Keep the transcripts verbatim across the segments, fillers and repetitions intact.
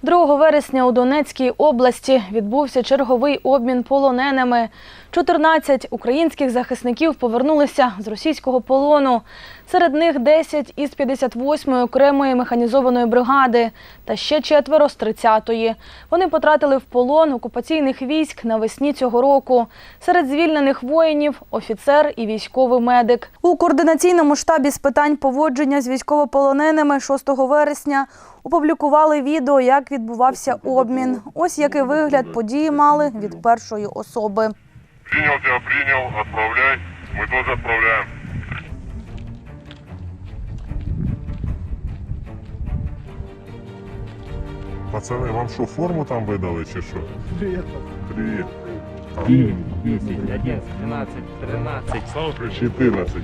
другого вересня у Донецькій області відбувся черговий обмін полоненими. чотирнадцять українських захисників повернулися з російського полону. Серед них десять із п'ятдесят восьмої окремої механізованої бригади та ще четверо з тридцятої. Вони потрапили в полон окупаційних військ навесні цього року. Серед звільнених воїнів – офіцер і військовий медик. У координаційному штабі з питань поводження з військовополоненими шостого вересня опублікували відео, як відбувався обмін. Ось який вигляд події мали від першої особи. Принял тебя, принял, отправляй. Мы тоже отправляем. Пацаны, вам что, форму там выдали, чи что? Привет. Привет. девять, десять, одиннадцать, двенадцать, тринадцать. четырнадцать.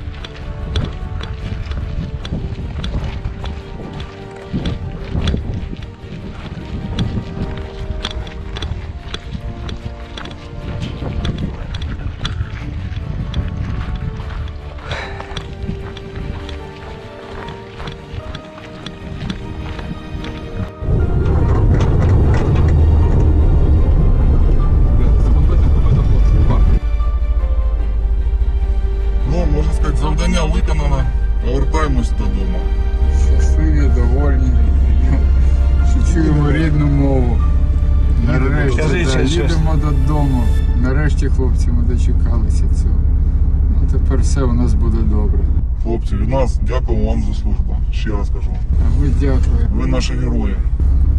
Ну, можна сказати, завдання виконано. Повертаємось додому. Щасливі, довольні, що чуємо рідну мову. Нарешті да, їдемо додому. Нарешті, хлопці, ми дочекалися цього. Ну, тепер все у нас буде добре. Хлопці, від нас дякуємо вам за службу. Ще раз кажу. А ми дякуємо. Ви наші герої.